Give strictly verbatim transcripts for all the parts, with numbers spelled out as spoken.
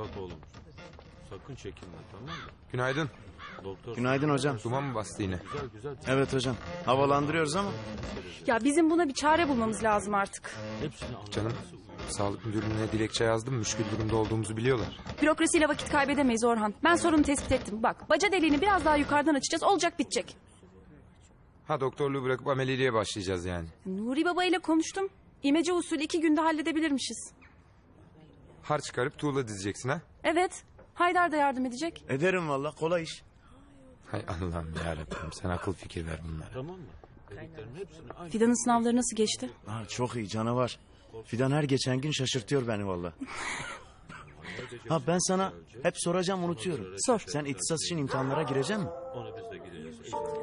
Bak oğlum. Sakın çekinme, tamam mı? Günaydın. Doktor. Günaydın hocam. Duman mı bastı yine? Güzel güzel. Evet hocam. Havalandırıyoruz ama. Ya bizim buna bir çare bulmamız lazım artık. Hepsini anlat. Canım, sağlık müdürlüğüne dilekçe yazdım. Müşkül durumda olduğumuzu biliyorlar. Bürokrasiyle vakit kaybedemeyiz Orhan. Ben sorunu tespit ettim. Bak, baca deliğini biraz daha yukarıdan açacağız. Olacak bitecek. Ha, doktorluğu bırakıp ameliyeye başlayacağız yani. Nuri Baba ile konuştum. İmece usulü iki günde halledebilirmişiz. Har çıkarıp tuğla dizeceksin ha? Evet. Haydar da yardım edecek. Ederim valla, kolay iş. Hay Allah'ım yarabbim, sen akıl fikir ver bunlara. Tamam mı? Dediklerin hepsini aynı. Fidan'ın sınavları nasıl geçti? Ha, çok iyi, canavar. Fidan her geçen gün şaşırtıyor beni valla. Ha, ben sana hep soracağım, unutuyorum. Sor. Sen ihtisas için imtihanlara gireceksin mi? Ona biz de gideceğiz.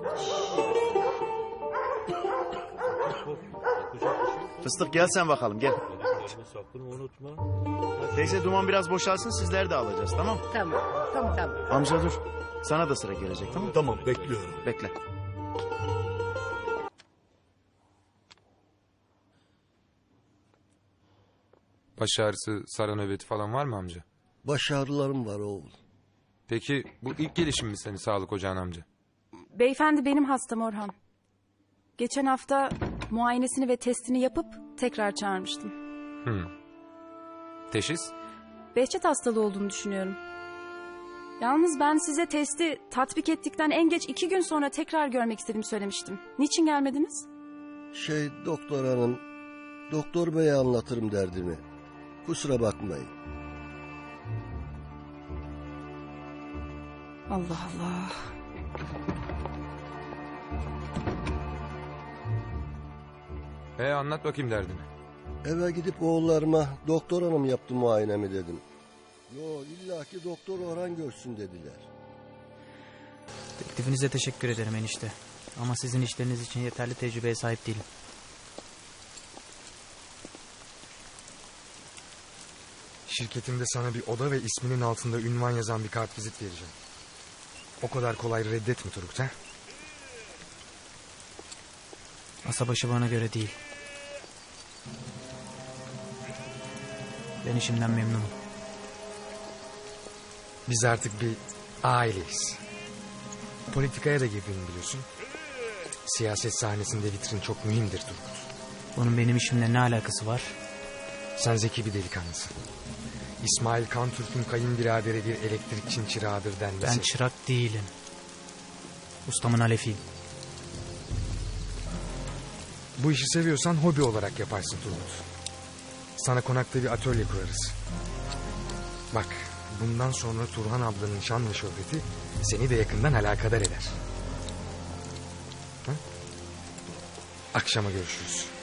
Fıstık gel sen bakalım, gel. Dediklerimi sakın unutma. Teyze, duman biraz boşalsın, sizler de alacağız, tamam? Tamam, tamam, tamam. Amca dur. Sana da sıra gelecek, tamam mı? Tamam, bekliyorum. Bekle. Baş ağrısı, sara nöbeti falan var mı amca? Baş ağrılarım var oğul. Peki bu ilk gelişim mi senin sağlık ocağın amca? Beyefendi benim hastam Orhan. Geçen hafta muayenesini ve testini yapıp tekrar çağırmıştım. Hı. Teşhis? Behçet hastalığı olduğunu düşünüyorum. Yalnız ben size testi tatbik ettikten en geç iki gün sonra tekrar görmek istediğimi söylemiştim. Niçin gelmediniz? Şey doktor hanım, doktor beye anlatırım derdimi. Kusura bakmayın. Allah Allah. E anlat bakayım derdini. Eve gidip oğullarıma doktor hanım yaptı muayenemi dedim. Yo, illaki doktor Orhan görsün dediler. Teklifinize teşekkür ederim enişte. Ama sizin işleriniz için yeterli tecrübeye sahip değilim. Şirketimde sana bir oda ve isminin altında ünvan yazan bir kartvizit vereceğim. O kadar kolay reddetme Turgut ha? Masa başı bana göre değil. Ben işimden memnunum. Biz artık bir aileyiz. Politikaya da girdiğini biliyorsun. Siyaset sahnesinde vitrin çok mühimdir Turgut. Bunun benim işimle ne alakası var? Sen zeki bir delikanlısın. İsmail Kantürk'ün kayınbiraderi bir elektrikçinin çırağıdır denmesi. Ben çırak değilim. Ustamın alefiyim. Bu işi seviyorsan hobi olarak yaparsın Turgut. Sana konakta bir atölye kurarız. Bak, bundan sonra Turhan ablanın şan ve şöhreti seni de yakından alakadar eder. Ha? Akşama görüşürüz.